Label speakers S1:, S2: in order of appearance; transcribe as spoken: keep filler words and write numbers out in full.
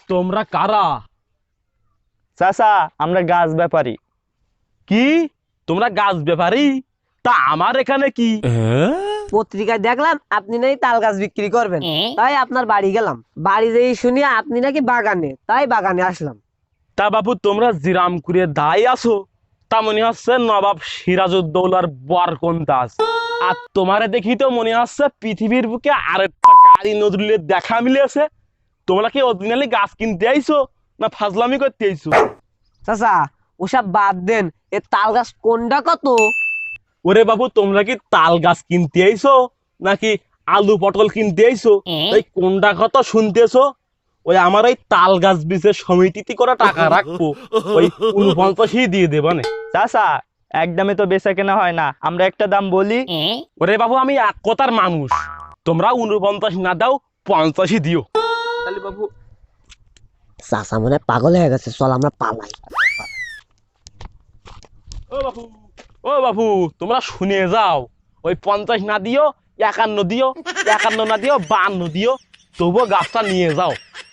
S1: তোমরা কারা?
S2: চাচা আমরা গাছ ব্যাপারী।
S1: কি তোমরা গাছ ব্যাপারী? তা আমার এখানে কি?
S3: পত্রিকায় দেখলাম আপনি নাকি তাল গাছ বিক্রি করবেন, তাই আপনার বাড়ি গেলাম। বাড়ি যেই শুনি আপনি নাকি বাগানে, তাই বাগানে আসলাম।
S1: তা বাবু তোমরা জিরামপুরে দায় আছো, তা মনে হচ্ছে নবাব সিরাজউদ্দৌলার বরকন্দাজ। আর তোমারে দেখি তো মনে হচ্ছে পৃথিবীর বুকে আরেকটা কারি নজরুলের দেখা মিলেছে। তোমরা কি অরিজিনালি গাছ কিনতে আইছো না ফাজলামি করতে আইছো?
S3: চাচা ওসব বাদ দেন, এ তাল গাছ কোনটা কত?
S1: ওরে বাবু তোমরা কি তাল গাছ কিনতে আইছো নাকি আলু পটল কিনতে আইছো? এই কোনটা কত শুনতেছো? ওই আমার ওই তাল গাছ বীজের সমিতিতে করা টাকা রাখবো, ওই উনপঞ্চাশই দিয়ে দেবানে।
S2: চাচা একদমে তো বেচা কেনা হয় না, আমরা একটা দাম বলি।
S1: ওরে বাবু আমি এক কথার মানুষ, তোমরা উনপঞ্চাশ না দাও পঞ্চাশই দিও। তাহলে বাবু
S3: চাচা মনে হয় পাগল হয়ে গেছে, চল আমরা পালাই।
S1: ও বাবু ও বাবু তোমরা শুনে যাও, ওই পঞ্চাশ না দিও, একান্ন দিও, একান্ন না দিও বান্ন দিও, তবুও গাছটা নিয়ে যাও।